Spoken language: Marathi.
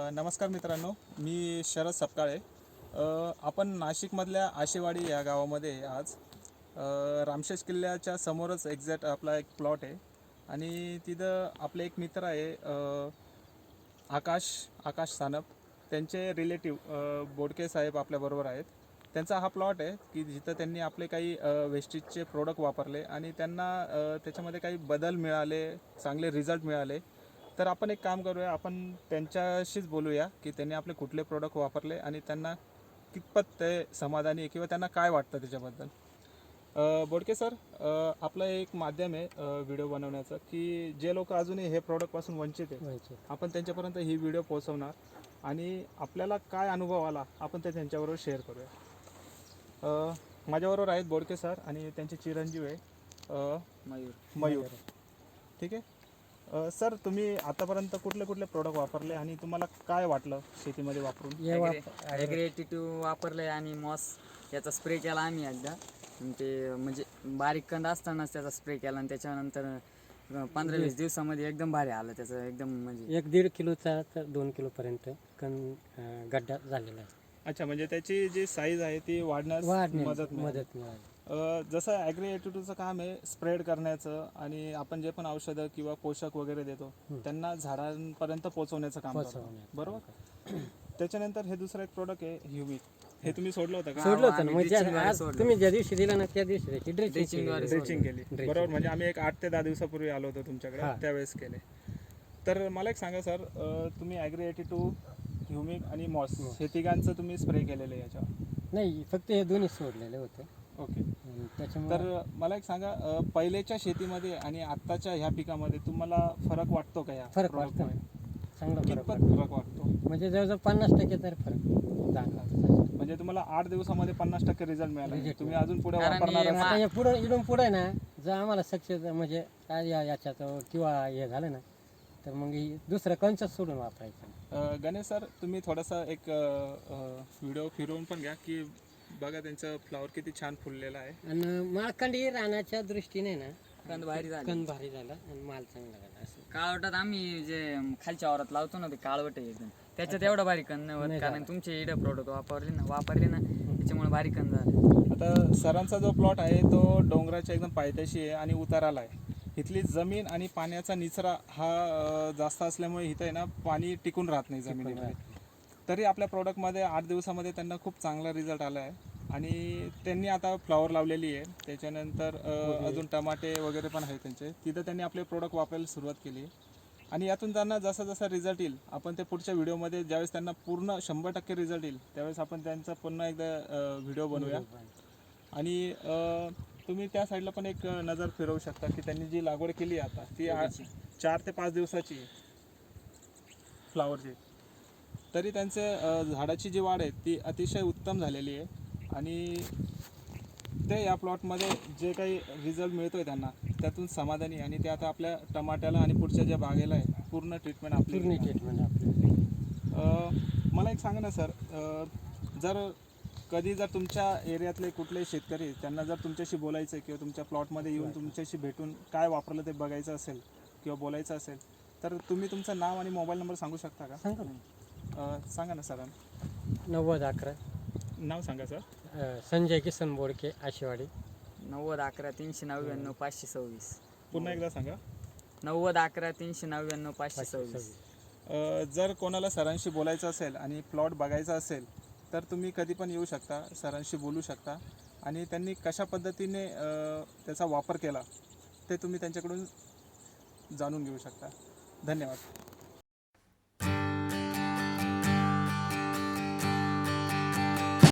नमस्कार मित्रांनो, मी शरद सपकाळे. आपण नाशिकमधल्या आशेवाडी या गावामध्ये आज रामशेष किल्ल्याच्या समोरच एक्झॅक्ट आपला एक प्लॉट आहे आणि तिथं आपले एक मित्र आहे आकाश सानप. त्यांचे रिलेटिव्ह बोडके साहेब आपल्याबरोबर आहेत. त्यांचा हा प्लॉट आहे की जिथं त्यांनी आपले काही वेस्टेजचे प्रोडक्ट वापरले आणि त्यांना त्याच्यामध्ये काही बदल मिळाले, चांगले रिझल्ट मिळाले. तर आपण एक काम करूया, आपण त्यांच्याशीच बोलूया की त्यांनी आपले कुठले प्रोडक्ट वापरले आणि त्यांना कितपत ते समाधानी आहे किंवा त्यांना काय वाटतं त्याच्याबद्दल. बोडके सर, आपलं एक माध्यम आहे व्हिडिओ बनवण्याचं की जे लोक अजूनही हे प्रोडक्टपासून वंचित आहेत, आपण त्यांच्यापर्यंत ही व्हिडिओ पोहोचवणार आणि आपल्याला काय अनुभव आला आपण ते त्यांच्याबरोबर शेअर करूया. माझ्याबरोबर आहेत बोडके सर आणि त्यांचे चिरंजीव आहे मयूर. ठीक आहे सर, तुम्ही आतापर्यंत कुठले कुठले प्रोडक्ट वापरले आणि तुम्हाला काय वाटलं शेतीमध्ये वापरून? ॲग्री-82 वापरले आणि मॉस याचा स्प्रे केला आम्ही एकदा. ते म्हणजे बारीक कंद असतानाच त्याचा स्प्रे केला आणि त्याच्यानंतर 15-20 दिवसामध्ये एकदम भारी आलं त्याचं. एकदम म्हणजे 1-1.5 किलोचा तर 2 किलोपर्यंत गड्डा झालेला आहे. अच्छा, म्हणजे त्याची जी साईज आहे ती वाढण्यास मदत मिळाली. जसं ॲग्री-82चं काम आहे स्प्रेड करण्याचं आणि आपण जे पण औषधं किंवा पोषक वगैरे देतो त्यांना झाडांपर्यंत पोहोचवण्याचं काम करतो, बरोबर? त्याच्यानंतर हे दुसरं एक प्रोडक्ट आहे ह्युमिक. हे तुम्ही सोडलं होतं का? सोडलं होतं ना, म्हणजे आज तुम्ही ज्या दिवशी दिला ना त्या दिवशी त्याची ड्रेचिंग केली, बरोबर? म्हणजे आम्ही एक 8 ते 10 दिवसापूर्वी आलो होतो तुमच्याकडे, त्यावेळेस केले. तर मला एक सांगा सर, तुम्ही ॲग्री-82, ह्युमिक आणि मॉस हे तिघांचं तुम्ही स्प्रे केलेलं आहे याच्यावर? नाही, फक्त हे दोन्ही सोडलेले होते. ओके. त्याच्यामुळे तर मला एक सांगा, पहिलेच्या शेतीमध्ये आणि आत्ताच्या ह्या पिकामध्ये तुम्हाला फरक वाटतो का? या फरक वाटतो, चांगला कितपत फरक वाटतो? म्हणजे जवळजवळ 50% तरी फरक जाणवतो. म्हणजे तुम्हाला 8 दिवसामध्ये 50% रिझल्ट मिळाला. तुम्ही अजून पुढे वापरणार? आता पुढे इडून पुढे ना जर आम्हाला सक्सेस म्हणजे काय याच्यात किंवा हे झालं ना तर मग दुसरं कंचच सोडून वापरायचं. गणेश सर, तुम्ही थोडासा एक व्हिडिओ फिरवून पण घ्या की बघा त्यांचं फ्लॉवर किती छान फुललेला आहे. आणि माळकंडी रानाच्या दृष्टीने ना कंद भारी झाले, कंद भारी झाला आणि माल चांगला झाला. असं काळवटात आम्ही जे खालच्या वावरात लावतो ना ते काळवट आहे एकदम, त्याच्यात एवढा भारी कंद नाही होत कारण तुमचे इडे प्रोडक्ट वापरले ना त्याच्यामुळे भारी कंद झाले. आता सरांचा जो प्लॉट आहे तो डोंगराच्या एकदम पायथ्याशी आहे आणि उताराला आहे. इथली जमीन आणि पाण्याचा निचरा हा जास्त असल्यामुळे इथं आहे ना पाणी टिकून राहत नाही जमिनीमध्ये. तरी आपल्या प्रोडक्टमध्ये 8 दिवसामध्ये त्यांना खूप चांगला रिझल्ट आला आहे आणि त्यांनी आता फ्लॉवर लावलेली आहे. त्याच्यानंतर अजून टमाटे वगैरे पण आहेत त्यांचे. तिथं त्यांनी आपले प्रोडक्ट वापरायला सुरुवात केली आणि यातून त्यांना जसा जसा रिझल्ट येईल आपण ते पुढच्या व्हिडिओमध्ये ज्यावेळेस त्यांना पूर्ण 100% रिझल्ट येईल त्यावेळेस आपण त्यांचा पुन्हा एकदा व्हिडिओ बनवूया. आणि तुम्ही त्या साईडला पण एक नजर फिरवू शकता की त्यांनी जी लागवड केली आता ती 4 ते 5 दिवसाची फ्लॉवरची. तरी त्यांचे झाडाची जी वाढ आहे ती अतिशय उत्तम झालेली आहे आणि ते या प्लॉटमध्ये जे काही रिझल्ट मिळतो आहे त्यांना त्यातून समाधानी. आणि ते आता आपल्या टमाट्याला आणि पुढच्या ज्या बागेला आहे पूर्ण ट्रीटमेंट आपली. मला एक सांगा ना सर, जर तुमच्या एरियातले कुठले शेतकरी त्यांना जर तुमच्याशी बोलायचं किंवा तुमच्या प्लॉटमध्ये येऊन तुमच्याशी भेटून काय वापरलं ते बघायचं असेल किंवा बोलायचं असेल तर तुम्ही तुमचं नाव आणि मोबाईल नंबर सांगू शकता का? सांगा ना सर. 90-11 नाव सांगा सर. संजय किसन बोडके, आशेवाडी. 90-11-399-526. पुन्हा एकदा सांगा. 90-11-399-526. जर कोणाला सरांशी बोलायचं असेल आणि प्लॉट बघायचा असेल तर तुम्ही कधी पण येऊ शकता, सरांशी बोलू शकता आणि त्यांनी कशा पद्धतीने त्याचा वापर केला ते तुम्ही त्यांच्याकडून जाणून घेऊ शकता. धन्यवाद.